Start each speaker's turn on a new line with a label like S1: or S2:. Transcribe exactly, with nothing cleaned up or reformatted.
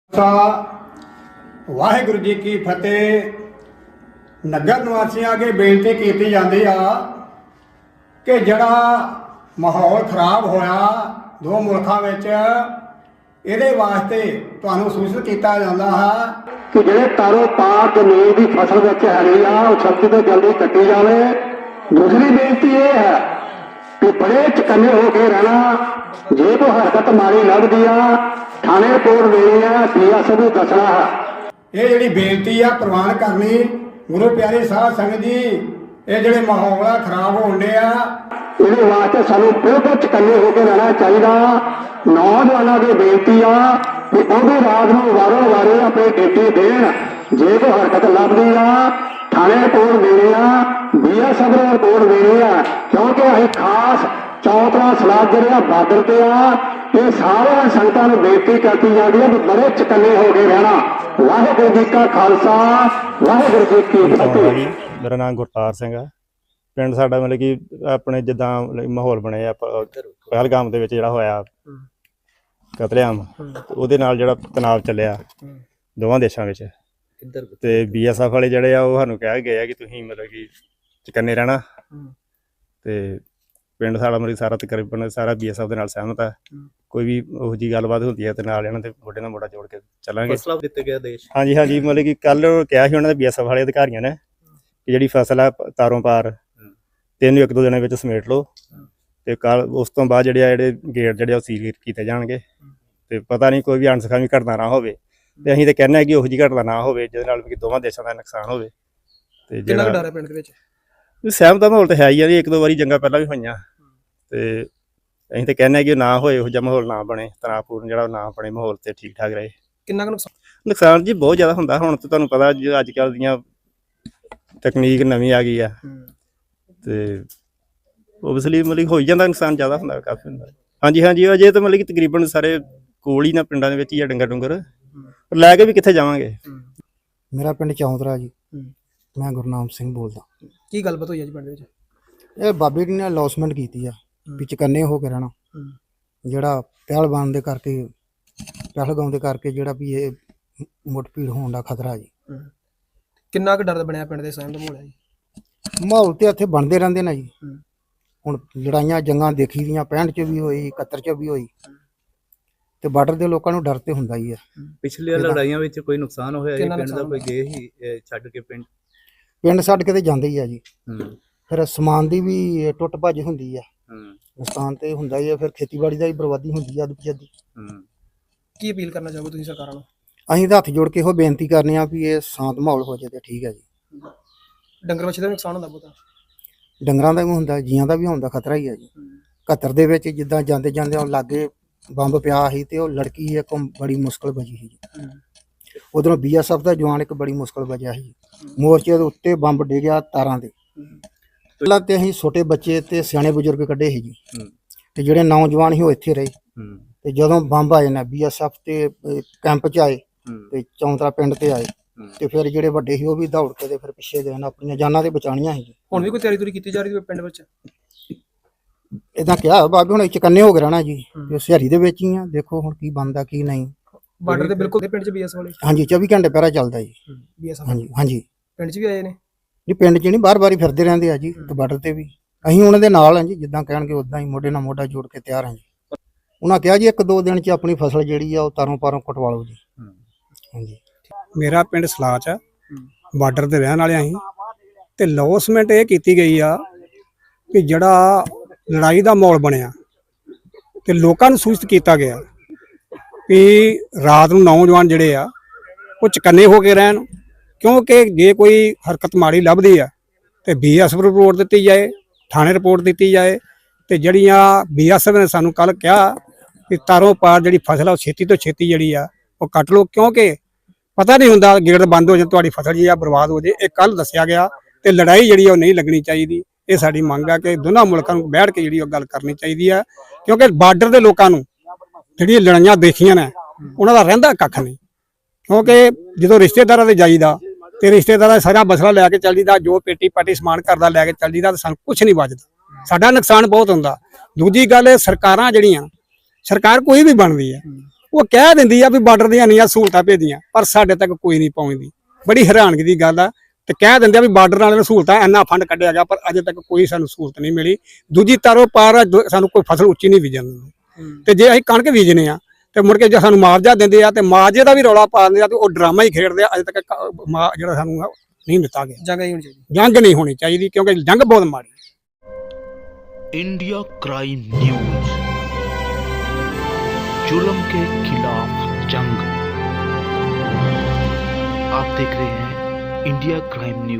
S1: ਵਾਹਿਗੁਰੂ जी की फतेह। नगर निवासियों अगे बेनती की जाती आ कि जड़ा माहौल खराब होया दो मुल्कों में ये वास्ते तुहानू सूचित किया जाता है कि जो तारों पार जमीन की फसल हैगी आ छत्ती तो जल्दी कट्टी जाए। दूसरी बेनती ये है कि बड़े चकन्ने होकर रहना, जे कोई हरकत माड़ी लगती आ थाने रिपोर्ट देनी है, पी एस भी दसना है। ये जी बेनती आ प्रवान करनी गुरु प्यारी साध संगत जी, ये जो माहौल आ खराब होने ये वास्ते सानू बिल्कुल चकन्ने होकर रहना चाहिए। नौजवानों की बेनती आ कि वह भी रात को वारों वारे अपनी ड्यूटी देन, जे कोई हरकत लगती आ थाने रिपोर्ट देनी आ, बी एस एफ ने रिपोर्ट देनी है, क्योंकि अं खास चौथा सलाह जो बार्डर से आ ये सारे संगतां नूं बेनती करती जाती है कि बड़े चकन्ने हो गए रहना। वाहिगुरू जी का खालसा वाहिगुरू जी की फतेह।
S2: मेरा नाम गुरतार सिंह है। पिंड साडा मतलब कि अपने जिद्दां माहौल बने पहलगाम दे विच जिहड़ा होया कतलेआम, ਉਹਦੇ ਨਾਲ ਜਿਹੜਾ ਤਣਾਅ ਚੱਲਿਆ ਦੋਵਾਂ ਦੇਸ਼ਾਂ ਵਿੱਚ ਤੇ ਬੀ ਐਸ ਐਫ ਵਾਲੇ ਜਿਹੜੇ ਆ ਉਹ ਸਾਨੂੰ ਕਹਿ ਗਏ ਆ ਕਿ ਤੁਸੀਂ ਮਤਲਬ ਕਿ ਚਕੰਨੇ ਰਹਿਣਾ ਤੇ ਪਿੰਡ ਸਾਡਾ ਮਤਲਬ ਸਾਰਾ ਤਕਰੀਬਨ ਸਾਰਾ ਬੀ ਐਸ ਐਫ ਦੇ ਨਾਲ ਸਹਿਮਤ ਹੈ। ਕੋਈ ਵੀ ਉਹੋ ਜਿਹੀ ਗੱਲਬਾਤ ਹੁੰਦੀ ਹੈ ਤੇ ਨਾਲ ਇਹਨਾਂ ਦੇ ਮੋਢੇ ਨਾਲ ਮੋਢਾ ਜੋੜ ਕੇ ਚੱਲਾਂਗੇ।
S3: ਫਸਲਾਂ ਦਿੱਤੇ ਗਏ ਦੇਸ਼
S2: ਹਾਂਜੀ ਹਾਂਜੀ ਮਤਲਬ ਕਿ ਕੱਲ ਕਿਹਾ ਸੀ ਉਹਨਾਂ ਦੇ ਬੀ ਐਸ ਐਫ ਵਾਲੇ ਅਧਿਕਾਰੀਆਂ ਨੇ ਕਿ ਜਿਹੜੀ ਫਸਲ ਹੈ ਤਾਰੋਂ ਪਾਰ ਤਿੰਨ ਇੱਕ ਦੋ ਦਿਨਾਂ ਵਿੱਚ ਸਮੇਟ ਲਓ ਤੇ ਕੱਲ ਉਸ ਤੋਂ ਬਾਅਦ ਜਿਹੜੇ ਆ ਜਿਹੜੇ ਗੇਟ ਜਿਹੜੇ ਉਹ ਸੀਲ ਕੀਤੇ ਜਾਣਗੇ ਤੇ ਪਤਾ ਨਹੀਂ ਕੋਈ ਵੀ ਅਣਸਖਾਵੀ ਘਟਨਾ ਨਾ ਹੋਵੇ ਤੇ ਅਸੀਂ ਤਾਂ ਕਹਿੰਦੇ ਹਾਂ ਕਿ ਉਹੋ ਜਿਹੀ ਘਟਨਾ ਨਾ ਹੋਵੇ ਜਿਹਦੇ ਨਾਲ ਕਿ ਦੋਵਾਂ ਦੇਸ਼ਾਂ ਦਾ ਨੁਕਸਾਨ ਹੋਵੇ। ਤੇ
S3: ਜਿਹੜਾ ਡਰ ਹੈ ਪਿੰਡ ਦੇ ਵਿੱਚ
S2: ਸਹਿਮਤ ਦਾ ਮਾਹੌਲ ਤਾਂ ਹੈ ਹੀ ਆ ਜੀ, ਇੱਕ ਦੋ ਵਾਰੀ ਜੰਗਾਂ ਪਹਿਲਾਂ ਵੀ ਹੋਈਆਂ ਤੇ ਅਸੀਂ ਤਾਂ ਕਹਿੰਦੇ ਹਾਂ ਕਿ ਨਾ ਹੋਏ, ਇਹੋ ਜਿਹਾ ਮਾਹੌਲ ਨਾ ਬਣੇ, ਤਣਾਅਪੂਰਨ ਜਿਹੜਾ ਨਾ ਬਣੇ ਮਾਹੌਲ ਤੇ ਠੀਕ ਠਾਕ ਰਹੇ।
S3: ਕਿੰਨਾ ਕੁ ਨੁਕਸਾਨ
S2: ਨੁਕਸਾਨ ਜੀ ਬਹੁਤ ਜ਼ਿਆਦਾ ਹੁੰਦਾ। ਹੁਣ ਤਾਂ ਤੁਹਾਨੂੰ ਪਤਾ ਜੀ ਅੱਜ ਕੱਲ੍ਹ ਦੀਆਂ ਤਕਨੀਕ ਨਵੀਂ ਆ ਗਈ ਆ ਤੇ ਓਬਵੀਅਸਲੀ ਮਤਲਬ ਹੋ ਹੀ ਜਾਂਦਾ, ਨੁਕਸਾਨ ਜ਼ਿਆਦਾ ਹੁੰਦਾ ਕਾਫੀ ਹੁੰਦਾ। ਹਾਂਜੀ ਹਾਂਜੀ ਅਜੇ ਤਾਂ ਮਤਲਬ ਕਿ ਤਕਰੀਬਨ ਸਾਰੇ ਕੋਲ ਹੀ ਨਾ ਪਿੰਡਾਂ ਦੇ ਵਿੱਚ ਹੀ ਆ ਡੰਗਰ ਡੁੰਗਰ, ਪਰ ਲੈ ਕੇ ਵੀ ਕਿੱਥੇ ਜਾਵਾਂਗੇ।
S4: ਮੇਰਾ ਪਿੰਡ ਚੌਂਤਰਾ ਜੀ, ਮੈਂ ਗੁਰਨਾਮ ਸਿੰਘ ਬੋਲਦਾ।
S3: ਕੀ ਗੱਲਬਾਤ ਹੋਈ ਹੈ ਜੀ ਪਿੰਡ ਵਿੱਚ?
S4: ਇਹ ਬਾਬੇ ਜੀ ਨੇ ਅਲੌਸਮੈਂਟ ਕੀਤੀ ਆ ਵੀ ਚਕੰਨੇ ਹੋ ਕੇ ਰਹਿਣਾ, ਜਿਹੜਾ ਪਹਿਲਵਾਨ ਦੇ ਕਰਕੇ ਪਹਿਲਗਾਮ ਦੇ ਕਰਕੇ ਜਿਹੜਾ ਵੀ ਇਹ ਮੁੱਠ-ਭੀੜ ਹੋਣ ਦਾ ਖਤਰਾ ਜੀ।
S3: ਕਿੰਨਾ ਕੁ ਡਰ ਬਣਿਆ ਪਿੰਡ ਦੇ ਸਹਿਮ ਦਾ ਮਾਹੌਲ ਹੈ ਜੀ?
S4: ਮਾਹੌਲ ਤੇ ਇੱਥੇ ਬਣਦੇ ਰਹਿੰਦੇ ਨੇ ਜੀ। ਹੁਣ ਲੜਾਈਆਂ ਜੰਗਾਂ ਦੇਖੀ ਦੀਆਂ ਪੈਂਹਠ ਚ ਵੀ ਹੋਈ, ਇਕਹੱਤਰ ਚ ਵੀ ਹੋਈ ਤੇ ਬਾਰਡਰ ਦੇ ਲੋਕਾਂ ਨੂੰ ਡਰ ਤੇ ਹੁੰਦਾ ਹੀ ਆ।
S5: ਪਿਛਲੀਆਂ ਲੜਾਈਆਂ ਵਿੱਚ ਕੋਈ ਨੁਕਸਾਨ ਹੋਇਆ ਜੀ ਪਿੰਡ ਦਾ? ਕੋਈ ਗਏ ਹੀ ਛੱਡ ਕੇ ਪਿੰਡ
S4: ਪਿੰਡ ਛੱਡ ਕੇ ਤੇ ਜਾਂਦੇ ਹੀ ਆ ਜੀ। ਫਿਰ ਸਮਾਨ ਦੀ ਵੀ ਟੁੱਟ ਭੱਜ ਹੁੰਦੀ ਆ, ਨੁਕਸਾਨ ਤੇ ਹੁੰਦਾ ਹੀ ਆ। ਫਿਰ ਖੇਤੀਬਾੜੀ ਦਾ ਵੀ ਬਰਬਾਦੀ ਹੁੰਦੀ ਆ ਅੱਧ ਜੱਦੀ।
S3: ਕੀ ਅਪੀਲ ਕਰਨਾ ਚਾਹੋਗੇ ਤੁਸੀਂ ਸਰਕਾਰਾਂ ਨੂੰ?
S4: ਅਸੀਂ ਤਾਂ ਹੱਥ ਜੋੜ ਕੇ ਇਹੋ ਬੇਨਤੀ ਕਰਨੇ ਆ ਵੀ ਇਹ ਸ਼ਾਂਤ ਮਾਹੌਲ ਹੋ ਜਾਏ ਤੇ ਠੀਕ ਹੈ ਜੀ।
S3: ਡੰਗਰ ਵੱਛੇ ਦਾ ਨੁਕਸਾਨ ਹੁੰਦਾ ਬਹੁਤਾ?
S4: ਡੰਗਰਾਂ ਦਾ ਵੀ ਹੁੰਦਾ, ਜੀਆਂ ਦਾ ਵੀ ਹੁੰਦਾ ਖਤਰਾ ਹੀ ਆ ਜੀ। ਇਕਹੱਤਰ ਦੇ ਵਿੱਚ ਜਿੱਦਾਂ ਜਾਂਦੇ ਜਾਂਦੇ ਉਹ ਲਾਗੇ ਬੰਬ ਪਿਆ ਸੀ ਤੇ ਉਹ ਲੜਕੀ ਇੱਕ ਬੜੀ ਮੁਸ਼ਕਲ ਬਚੀ ਸੀ ਜੀ। ਉਧਰੋਂ ਬੀ ਐਸ ਐਫ ਦਾ ਜਵਾਨ ਇੱਕ ਬੜੀ ਮੁਸ਼ਕਲ ਬਚਿਆ ਸੀ। ਮੋਰਚੇ ਦੇ ਉੱਤੇ ਬੰਬ ਡਿੱਗਿਆ ਤਾਰਾਂ ਦੇ। ਪਹਿਲਾਂ ਤੇ ਅਸੀਂ ਛੋਟੇ ਬੱਚੇ ਤੇ ਸਿਆਣੇ ਬਜ਼ੁਰਗ ਕੱਢੇ ਸੀ ਜੀ ਤੇ ਜਿਹੜੇ ਨੌਜਵਾਨ ਸੀ ਉਹ ਇੱਥੇ ਰਹੇ ਤੇ ਜਦੋਂ ਬੰਬ ਆਏ ਨਾ ਬੀ ਐਸ ਐਫ ਤੇ ਕੈਂਪ 'ਚ ਆਏ ਤੇ ਚੌਂਤਰਾ ਪਿੰਡ ਤੇ ਆਏ ਤੇ ਫਿਰ ਜਿਹੜੇ ਵੱਡੇ ਸੀ ਉਹ ਵੀ ਦੌੜ ਕੇ ਤੇ ਫਿਰ ਪਿੱਛੇ ਗਏ ਨਾ, ਆਪਣੀਆਂ ਜਾਨਾਂ ਤੇ ਬਚਾਉਣੀਆਂ ਸੀ।
S3: ਹੁਣ ਵੀ ਕੋਈ ਤਿਆਰੀ ਤੁਰੀ ਕੀਤੀ ਜਾ ਰਹੀ ਹੈ ਪਿੰਡ ਵਿੱਚ?
S4: ਇਦਾਂ ਕਿਹਾ ਬਾਬੇ ਹੁਣ ਚਕੰਨੇ ਹੋ ਕੇ ਰਹਿਣਾ ਜੀ, ਸਿਹਾਰੀ ਦੇ ਵਿੱਚ ਹੀ ਆ, ਦੇਖੋ ਹੁਣ ਕੀ ਬਣਦਾ ਕੀ ਨਹੀਂ।
S3: ਬਾਰਡਰ ਦੇ ਬਿਲਕੁਲ ਪਿੰਡ 'ਚ ਬੀ ਐਸ ਵਾਲੇ?
S4: ਹਾਂਜੀ ਚੌਵੀ ਘੰਟੇ ਪਹਿਰਾ ਚੱਲਦਾ ਜੀ
S3: ਬੀ ਐਸ।
S4: ਹਾਂਜੀ ਹਾਂਜੀ
S3: ਪਿੰਡ 'ਚ ਵੀ ਆਏ ਨੇ
S4: ਜੀ, ਪਿੰਡ 'ਚ ਨਹੀਂ ਬਾਰ ਬਾਰ ਹੀ ਫਿਰਦੇ ਰਹਿੰਦੇ ਆ ਜੀ ਤੇ ਬਾਰਡਰ ਤੇ ਵੀ। ਅਸੀਂ ਉਹਨਾਂ ਦੇ ਨਾਲ ਹਾਂ ਜੀ, ਜਿੱਦਾਂ ਕਹਿਣਗੇ ਉਦਾਂ ਹੀ ਮੋਢੇ ਨਾਲ ਮੋਢਾ ਜੋੜ ਕੇ ਤਿਆਰ ਹਾਂ ਜੀ। ਉਹਨਾਂ ਕਿਹਾ ਜੀ ਇੱਕ ਦੋ ਦਿਨ 'ਚ ਆਪਣੀ ਫਸਲ ਜਿਹੜੀ ਆ ਉਹ ਤਾਰੋਂ ਪਾਰੋਂ ਕਟਵਾ ਲਓ ਜੀ। ਹਾਂਜੀ
S6: ਮੇਰਾ ਪਿੰਡ ਸਲਾਚ ਆ, ਬਾਰਡਰ ਤੇ ਰਹਿਣ ਵਾਲੇ ਅਸੀਂ ਤੇ ਲੌਸਮੈਂਟ ਇਹ ਕੀਤੀ ਗਈ ਆ ਕਿ ਜਿਹੜਾ ਲੜਾਈ ਦਾ ਮਾਹੌਲ ਬਣਿਆ ਤੇ ਲੋਕਾਂ ਨੂੰ ਸੂਚਿਤ ਕੀਤਾ ਗਿਆ ਕਿ ਰਾਤ ਨੂੰ ਨੌਜਵਾਨ ਜਿਹੜੇ ਆ ਉਹ ਚਕੰਨੇ ਹੋ ਕੇ ਰਹਿਣ, ਕਿਉਂਕਿ ਜੇ ਕੋਈ ਹਰਕਤ ਮਾੜੀ ਲੱਭਦੀ ਆ ਤੇ ਬੀ ਐਸ ਐਫ ਰਿਪੋਰਟ ਦਿੱਤੀ ਜਾਏ, ਥਾਣੇ ਰਿਪੋਰਟ ਦਿੱਤੀ ਜਾਏ। ਤੇ ਜਿਹੜੀਆਂ ਬੀ ਐਸ ਐਫ ਨੇ ਸਾਨੂੰ ਕੱਲ ਕਿਹਾ ਕਿ ਤਾਰੋਂ ਪਾਰ ਜਿਹੜੀ ਫਸਲ ਆ ਉਹ ਛੇਤੀ ਤੋਂ ਛੇਤੀ ਜਿਹੜੀ ਆ ਉਹ ਕੱਟ ਲਓ, ਕਿਉਂਕਿ ਪਤਾ ਨਹੀਂ ਹੁੰਦਾ ਗੇਟ ਬੰਦ ਹੋ ਜਾਏ ਤੁਹਾਡੀ ਫਸਲ ਜੀ ਆ ਬਰਬਾਦ ਹੋ ਜਾਏ। ਇਹ ਕੱਲ ਦੱਸਿਆ ਗਿਆ ਤੇ ਲੜਾਈ ਜਿਹੜੀ ਉਹ ਨਹੀਂ ਲੱਗਣੀ ਚਾਹੀਦੀ। ਇਹ ਸਾਡੀ ਮੰਗ ਆ ਕਿ ਦੋਨਾਂ ਮੁਲਕਾਂ ਨੂੰ ਬੈਠ ਕੇ ਜਿਹੜੀ ਉਹ ਗੱਲ ਕਰਨੀ ਚਾਹੀਦੀ ਆ, ਕਿਉਂਕਿ ਬਾਰਡਰ ਦੇ ਲੋਕਾਂ ਨੂੰ ਜਿਹੜੀਆਂ ਲੜਾਈਆਂ ਦੇਖੀਆਂ ਨੇ ਉਹਨਾਂ ਦਾ ਰਹਿੰਦਾ ਕੱਖ ਨਹੀਂ। ਕਿਉਂਕਿ ਜਦੋਂ ਰਿਸ਼ਤੇਦਾਰਾਂ ਦੇ ਜਾਈਦਾ ਤੇ ਰਿਸ਼ਤੇਦਾਰਾਂ ਸਾਰਾ ਮਸਲਾ ਲੈ ਕੇ ਚੱਲ ਜੀਦਾ, ਜੋ ਪੇਟੀ ਪਾਟੀ ਸਮਾਨ ਕਰਦਾ ਲੈ ਕੇ ਚੱਲ ਜੀਦਾ, ਤਾਂ ਸਾਨੂੰ ਕੁਛ ਨਹੀਂ ਬਚਦਾ, ਸਾਡਾ ਨੁਕਸਾਨ ਬਹੁਤ ਹੁੰਦਾ। ਦੂਜੀ ਗੱਲ ਸਰਕਾਰਾਂ ਜਿਹੜੀਆਂ ਸਰਕਾਰ ਕੋਈ ਵੀ ਬਣਦੀ ਹੈ ਉਹ ਕਹਿ ਦਿੰਦੀ ਆ ਵੀ ਬਾਰਡਰ ਦੀਆਂ ਇੰਨੀਆਂ ਸਹੂਲਤਾਂ ਭੇਜੀਆਂ, ਪਰ ਸਾਡੇ ਤੱਕ ਕੋਈ ਨਹੀਂ ਪਹੁੰਚਦੀ। ਬੜੀ ਹੈਰਾਨਗੀ ਦੀ ਗੱਲ ਆ। ਤੇ ਕਹਿ ਦਿੰਦੇ ਆ ਵੀ ਬਾਰਡਰ ਵਾਲਿਆਂ ਨੂੰ ਸਹੂਲਤਾਂ ਇੰਨਾ ਫੰਡ ਕੱਢਿਆ ਗਿਆ, ਪਰ ਅਜੇ ਤੱਕ ਕੋਈ ਸਾਨੂੰ ਸਹੂਲਤ ਨਹੀਂ ਮਿਲੀ। ਦੂਜੀ ਤਾਰੋ ਪਾਰ ਦੋ- ਸਾਨੂੰ ਕੋਈ ਫਸਲ ਉੱਚੀ ਨਹੀਂ ਬੀਜਣ ਦਿੰਦੇ। ਤੇ ਜੇ ਅਸੀਂ ਕਣਕ ਬੀਜਨੇ ਆ ਤੇ ਮੁੜ ਕੇ ਜੇ ਸਾਨੂੰ ਮੁਆਵਜ਼ਾ ਦਿੰਦੇ ਆ ਤੇ ਮੁਆਵਜ਼ੇ ਦਾ ਵੀ ਰੌਲਾ ਪਾ ਦਿੰਦੇ ਆ ਤੇ ਉਹ ਡਰਾਮਾ ਹੀ ਖੇਡਦੇ ਆ। ਅਜੇ ਤੱਕ ਕ- ਮੁਆ- ਜਿਹੜਾ ਸਾਨੂੰ ਨਹੀਂ ਦਿੱਤਾ ਗਿਆ।
S3: ਜਗ੍ਹਾ ਹੀ ਹੋਣੀ ਚਾਹੀਦੀ।
S6: ਜੰਗ ਨਹੀਂ ਹੋਣੀ ਚਾਹੀਦੀ, ਕਿਉਂਕਿ ਜੰਗ ਬਹੁਤ ਮਾੜੀ।
S7: इंडिया क्राइम न्यूज, जुल्म के खिलाफ जंग। आप देख रहे हैं इंडिया क्राइम न्यूज।